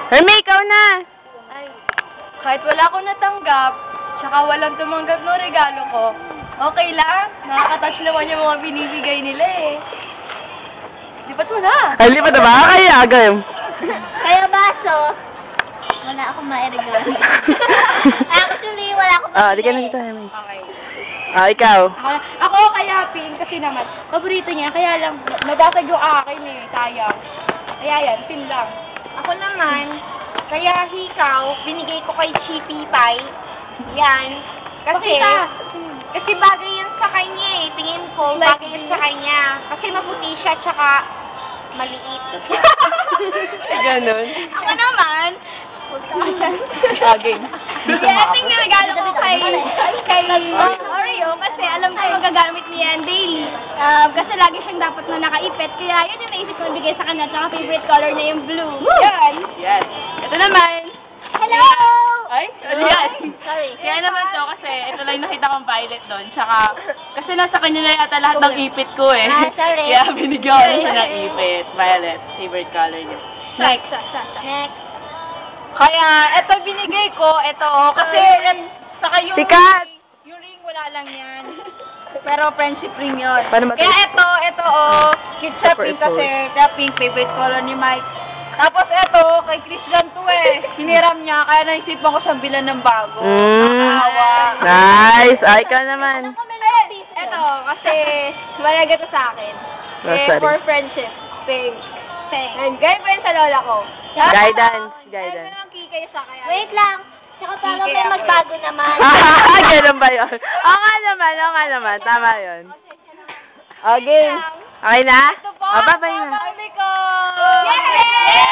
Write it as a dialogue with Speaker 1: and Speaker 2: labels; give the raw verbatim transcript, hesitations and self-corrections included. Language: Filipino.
Speaker 1: Hermie, ikaw na!
Speaker 2: Ay, kahit wala akong natanggap, tsaka walang tumanggap ng regalo ko, okay lang. Nakakatouch naman yung mga binibigay nila eh. Lipat mo na!
Speaker 1: Ay, lipat na ba? Kaya, agam.
Speaker 3: Kaya baso, wala akong mairigalo. Actually, wala akong
Speaker 1: Ah, di ka na
Speaker 3: mabili.
Speaker 1: dito, Hermie.
Speaker 2: Okay.
Speaker 1: Ah, ikaw.
Speaker 2: Ako, ako kaya pink kasi naman, paborito niya, kaya lang, nabasag yung akin eh, sayang. Kaya yan, pin lang.
Speaker 3: Ako naman, kaya hikaw, binigay ko kay Chippy Pie. Yan. Kasi,
Speaker 2: Pakita.
Speaker 3: kasi bagay yan sa kanya eh. Tingin ko,
Speaker 2: Like
Speaker 3: bagay yan sa kanya. Kasi maputi siya, tsaka maliit.
Speaker 1: Ganon.
Speaker 3: Ako naman,
Speaker 1: Saging.
Speaker 3: yeah, ito yung regalo ko kay, kay Oreo kasi alam ko magagamit niya yan daily. Um, kasi lagi siyang dapat na nakaipit. Kaya yun yung naisip ko ibigay sa kanya. Tsaka favorite color na yung blue. Yan.
Speaker 1: Yes. Ito naman.
Speaker 3: Hello!
Speaker 1: Ay, ano yan?
Speaker 3: Sorry.
Speaker 1: Kaya naman to kasi ito lang nakita kong violet doon. Tsaka, kasi nasa kanya na yata lahat ng ipit ko eh.
Speaker 3: Ah, sorry.
Speaker 1: Kaya binigyan ko na siya ng ipit. Violet. Favorite color niya.
Speaker 2: Next.
Speaker 3: Next.
Speaker 2: Kaya, eto binigay ko, eto, kasi, saka yung
Speaker 1: Sikat!
Speaker 2: ring, yung ring wala lang yan. Pero friendship ring yun.
Speaker 1: Paano matay?
Speaker 2: Kaya eto, eto, oh, cute siya
Speaker 1: Super
Speaker 2: pink kasi, kaya pink, favorite color ni Mike. Tapos eto, kay Christian to eh, hiniram niya, kaya naisipan ko siyang bilan ng bago.
Speaker 1: Mm.
Speaker 2: Nakakaawa.
Speaker 1: Nice. Ay, ikaw naman.
Speaker 2: Eto, kasi, malaga to sa akin.
Speaker 1: Oh,
Speaker 2: Eh,
Speaker 1: sorry.
Speaker 2: for friendship, pink. Pink. And gaya pa yun sa lola ko.
Speaker 1: Guidance,
Speaker 2: Guidance.
Speaker 1: guidance.
Speaker 2: Kaya kikay siya kaya.
Speaker 3: Wait lang. Tsaka paano
Speaker 2: Sige,
Speaker 3: may
Speaker 2: ako.
Speaker 3: magbago naman?
Speaker 1: Ah, ganun ba yun? Oo nga naman, oo nga naman. Tama yun. Okay. Okay na?
Speaker 2: Ito po,
Speaker 1: Oh, bye-bye na.
Speaker 2: family ko!
Speaker 3: Yay!